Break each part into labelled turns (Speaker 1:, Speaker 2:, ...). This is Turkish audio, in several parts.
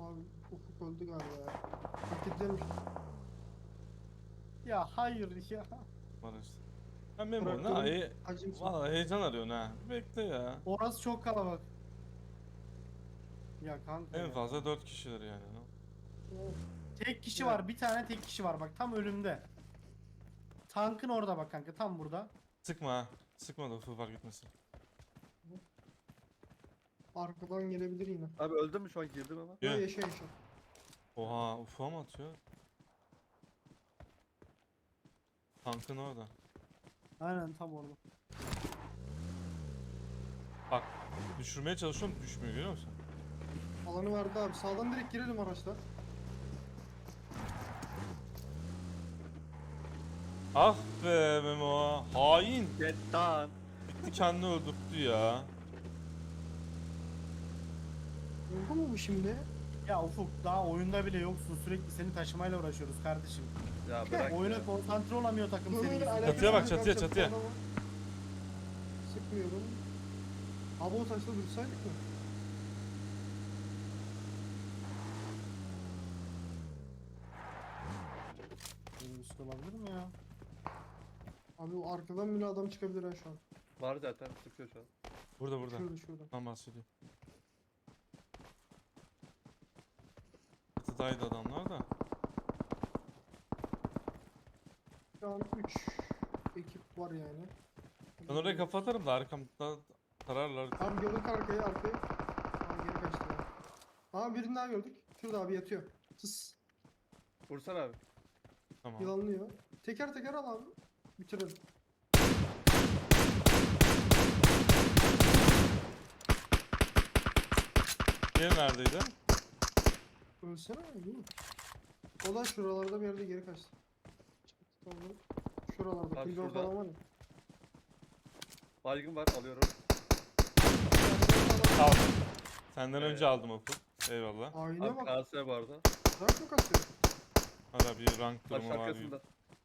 Speaker 1: Abi Ufuk öldü galiba ya. Paketlemiş.
Speaker 2: Ya hayır ya.
Speaker 3: Barış. Ha Memo ne?
Speaker 1: Traktörün hacimsi.
Speaker 3: Valla heyecan arıyorsun ha. Bekle ya.
Speaker 2: Orası çok kalabalık. Ya kanka
Speaker 3: En
Speaker 2: ya.
Speaker 3: fazla 4 kişiler yani.
Speaker 2: Tek kişi
Speaker 1: Ya.
Speaker 2: var. Bir tane tek kişi var bak tam önümde. Tankın orada bak kanka tam burada.
Speaker 3: Sıkma ha. Sıkma da ufuk fark etmesin.
Speaker 1: Arkadan gelebilir yine.
Speaker 4: Abi öldüm mü şu an girdim ama.
Speaker 1: Ya
Speaker 3: Yürü.
Speaker 1: yaşa yaşa.
Speaker 3: Oha ufuğa mı atıyor? Tankın orada.
Speaker 2: Aynen tam orada.
Speaker 3: Bak düşürmeye çalışıyorum düşmüyor görüyor musun?
Speaker 1: Alanı verdi abi. Sağdan direkt girelim araçla.
Speaker 3: Ah be Memo. Hain.
Speaker 4: Get down.
Speaker 3: Gitti kendini öldürttü ya.
Speaker 1: Oldu mu bu şimdi?
Speaker 2: Ya Ufuk daha oyunda bile yoksun. Sürekli seni taşımayla uğraşıyoruz kardeşim.
Speaker 4: Ya bırak
Speaker 2: Oyuna
Speaker 4: ya.
Speaker 2: konsantre olamıyor takım senin yüzünden.
Speaker 3: Çatıya bak,
Speaker 1: Alakası
Speaker 3: çatıya,
Speaker 1: yok,
Speaker 3: çatıya.
Speaker 1: adamı. Sıkmıyorum. Abi o taşla dursaydık mı?
Speaker 2: Benim üstü olabilir mi ya?
Speaker 1: Abi o arkadan bile adam çıkabilir ha şu an.
Speaker 4: Var zaten sıkıyor şu an.
Speaker 3: Burada burada.
Speaker 1: Şurada.
Speaker 3: Tam bahsediyor. Çatıdaydı adamlar da.
Speaker 1: Şu an 3 ekip var yani.
Speaker 3: Ben oraya kafa atarım da arkamda tararlar.
Speaker 1: Abi gördük arkayı. Aa geri kaçtı ya. Aa birini daha gördük. Şurada abi yatıyor. Tıs.
Speaker 4: Vursana abi.
Speaker 3: Tamam.
Speaker 1: Yılanlıyor. Teker teker al abi. Bitirelim.
Speaker 3: Diğeri neredeydi?
Speaker 1: Ölsene değil mi? O da şuralarda bir yerde geri kaçtı. Tamam. Şuralarda.
Speaker 4: Abi
Speaker 1: Pilgor
Speaker 4: şurada.
Speaker 1: falan var ya.
Speaker 4: Baygın var alıyorum.
Speaker 3: Aldım. Senden
Speaker 4: Evet.
Speaker 3: önce aldım Ufuk. Eyvallah.
Speaker 1: Ayna
Speaker 4: Abi
Speaker 1: bak.
Speaker 4: KS bu arada.
Speaker 1: Rank mı kasıyor?
Speaker 3: Hala bir rank
Speaker 4: Taş
Speaker 3: durumu var gibi.
Speaker 4: arkasında.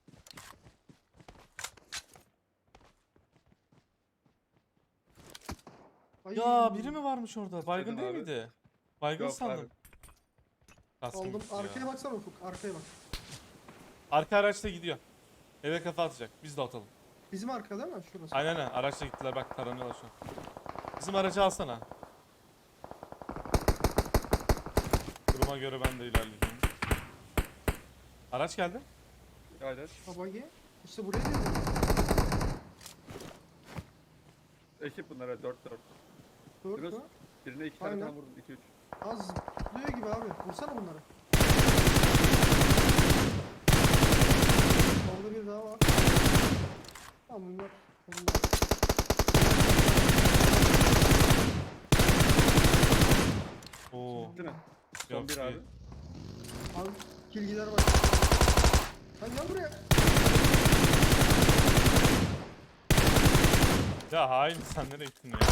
Speaker 1: Ay.
Speaker 3: Ya biri mi varmış orada? Baygın
Speaker 4: İstedim
Speaker 3: değil
Speaker 4: abi.
Speaker 3: miydi? Baygın
Speaker 4: Yok
Speaker 3: sandım.
Speaker 4: abi.
Speaker 3: Kaskım
Speaker 1: Aldım.
Speaker 3: gitti ya.
Speaker 1: Arkaya baksana Ufuk. Arkaya bak.
Speaker 3: Arka araçta gidiyor. Eve kafa atacak. Biz de atalım.
Speaker 1: Bizim arka değil mi? Şurası.
Speaker 3: Aynen aynen. Araçla gittiler bak taranıyorlar şu an. Bizim aracı alsana. Duruma göre ben de ilerleyeceğim. Araç geldi.
Speaker 4: Aynen.
Speaker 1: Babagi. İşte buraya geldi.
Speaker 4: Ekip bunlara 4-4.
Speaker 1: Dört
Speaker 4: Biraz-
Speaker 1: mü?
Speaker 4: Birine 2 tane
Speaker 1: Aynen.
Speaker 4: falan vurdum 2-3.
Speaker 1: Az zıplıyor gibi abi. Vursana bunları. Orada bir daha var. Tamam bunlar.
Speaker 3: Oo.
Speaker 4: Bitti mi? Son
Speaker 3: Yok,
Speaker 4: bir
Speaker 3: değil.
Speaker 4: abi.
Speaker 1: Abi kilgiler var. Lan gel buraya.
Speaker 3: Ya hain sen nereye gittin ya?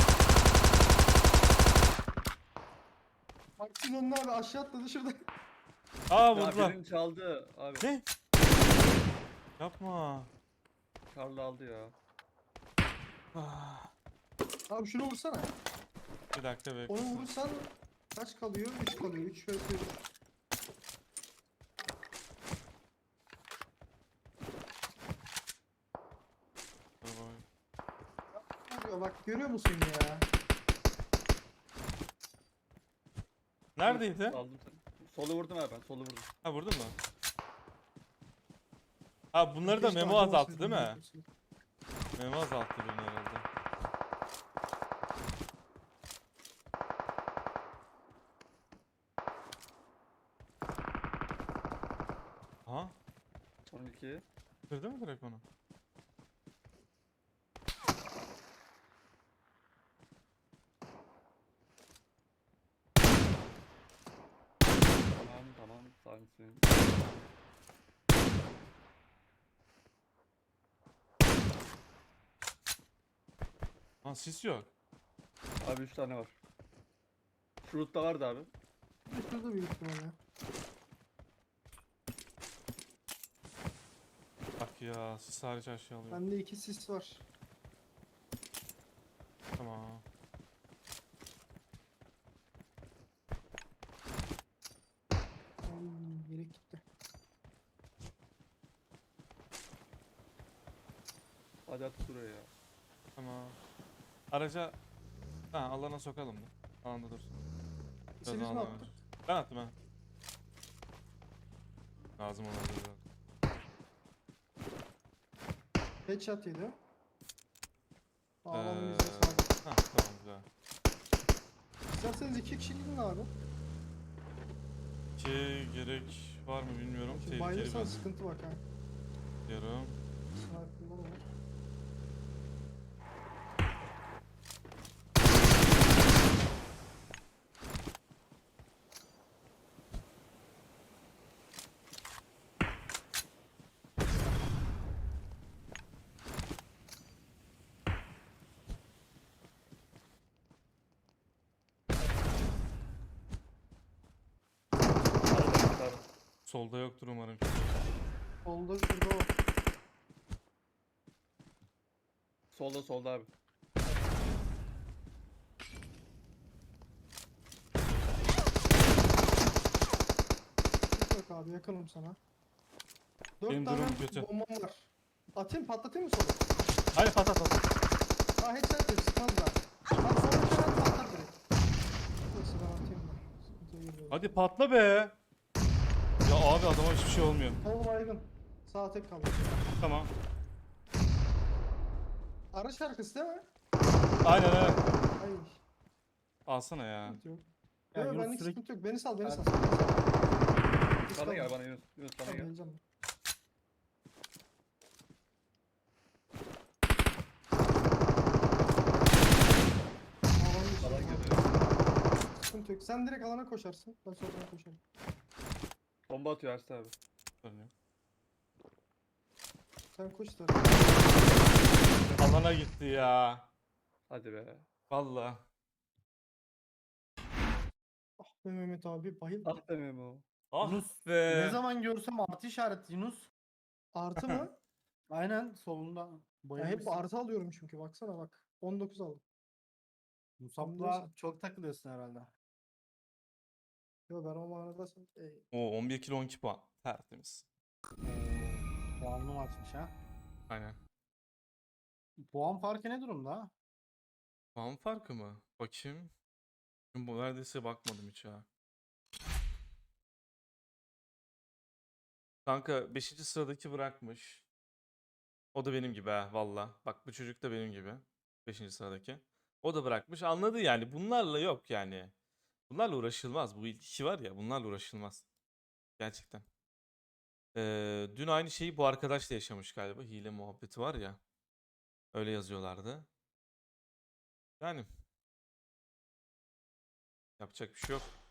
Speaker 1: Haksız onun abi aşağı atladı şurada.
Speaker 3: Aa
Speaker 4: Ya
Speaker 3: vurdular.
Speaker 4: birini çaldı abi.
Speaker 3: Ne? Yapma.
Speaker 4: Karlı aldı ya.
Speaker 3: Ah,
Speaker 1: Abi şunu vursana.
Speaker 3: bir dakika bekle.
Speaker 1: Onu vurursan kaç kalıyor? 3 kalıyor. 3 vs 3. Vuruyor bak görüyor musun ya?
Speaker 3: Neredeydi?
Speaker 4: Aldım seni. Solu vurdum abi ben. Solu vurdum.
Speaker 3: Ha vurdun mu? Ha bunları da
Speaker 1: Keşke
Speaker 3: Memo azalttı
Speaker 1: harcamasaydım
Speaker 3: değil mi?
Speaker 1: hepsini.
Speaker 3: Memo azalttı bunu herhalde. Aha.
Speaker 4: Son 2.
Speaker 3: Kırdı mı direkt onu?
Speaker 4: Tamam sakinsin.
Speaker 3: Ha sis yok.
Speaker 4: Abi 3 tane var. Şu loot'ta vardı abi.
Speaker 1: Şurada büyük ihtimalle.
Speaker 3: Bak ya sis hariç her şey alıyor.
Speaker 1: Bende 2 sis var.
Speaker 3: Tamam.
Speaker 4: Hadi at şuraya ya.
Speaker 3: Tamam. Araca alana sokalım da. Alanda dursun.
Speaker 1: Biz mi
Speaker 3: alana
Speaker 1: attık?
Speaker 3: ver. Ben attım ha. Lazım olabilir.
Speaker 1: Headshot yedi. Ağlamın
Speaker 3: Ee,
Speaker 1: yüzüne sağlık.
Speaker 3: Tamam güzel.
Speaker 1: İsterseniz 2 kişi gidin abi.
Speaker 3: Ki gerek var mı bilmiyorum.
Speaker 1: Şimdi
Speaker 3: Tehlikeli
Speaker 1: bayılırsan
Speaker 3: ben
Speaker 1: sıkıntı bak ha.
Speaker 3: diyorum.
Speaker 1: Sniper'lar var.
Speaker 4: Arada.
Speaker 3: Solda yoktur umarım.
Speaker 1: Solda şurada var.
Speaker 4: Solda abi.
Speaker 1: Git bak abi yakınım sana. 4
Speaker 3: Benim
Speaker 1: tane
Speaker 3: durumum kötü.
Speaker 1: bombam var. Atayım patlatayım mı sola?
Speaker 3: Hadi patlat.
Speaker 1: Ha headshot yok sıkmaz da. Lan sola headshot patlat direkt. Neyse ben atayım da. Sıkıntıya girmiyorum.
Speaker 3: Hadi patla be. Ya abi adama hiçbir şey olmuyor.
Speaker 1: Sol baygın. Sağ tek kaldı.
Speaker 3: Tamam.
Speaker 1: Araç arkası değil mi?
Speaker 3: Aynen.
Speaker 1: Hayır.
Speaker 3: Alsana ya.
Speaker 1: Sıkıntı yok.
Speaker 2: Ya
Speaker 1: Yok
Speaker 2: Yunus
Speaker 1: benlik
Speaker 2: sürekli
Speaker 1: sıkıntı yok. Beni sal beni
Speaker 2: Evet.
Speaker 1: sal.
Speaker 4: Bana gel bana Yunus. Yunus bana
Speaker 1: Tamam
Speaker 4: gel.
Speaker 1: geleceğim. Alan dışı.
Speaker 4: Alan geliyor.
Speaker 1: Sıkıntı yok. Sen direkt alana koşarsın. Ben soldan koşarım.
Speaker 4: Bomba atıyor Ersin abi.
Speaker 3: Görünüyor.
Speaker 1: Sen koş da.
Speaker 3: Alana gitti ya.
Speaker 4: Hadi be.
Speaker 3: Vallahi.
Speaker 1: Ah be Mehmet abi bayıl.
Speaker 4: Ah be Memo.
Speaker 3: Ah
Speaker 2: Yunus,
Speaker 3: be.
Speaker 2: ne zaman görsem artı işareti Yunus.
Speaker 1: Artı mı?
Speaker 2: Aynen solunda
Speaker 1: Ya hep
Speaker 2: boyamışsın.
Speaker 1: artı alıyorum çünkü baksana bak. 19 aldım.
Speaker 2: Musab'la çok takılıyorsun herhalde.
Speaker 1: Yo ben o manada
Speaker 3: O 11 kilo 12 puan. Tertemiz.
Speaker 2: Puanlı maçmış ha.
Speaker 3: Aynen.
Speaker 2: Puan farkı ne durumda?
Speaker 3: Puan farkı mı? Bakayım. Bu neredeyse bakmadım hiç ya. Kanka 5. sıradaki bırakmış. O da benim gibi ha valla. Bak bu çocuk da benim gibi. 5. sıradaki. O da bırakmış. Anladı yani. Bunlarla yok yani. Bunlarla uğraşılmaz. Bu ilk iki var ya bunlarla uğraşılmaz. Gerçekten. Dün aynı şeyi bu arkadaş da yaşamış galiba. Hile muhabbeti var ya. Öyle yazıyorlardı. Yani. Yapacak bir şey yok.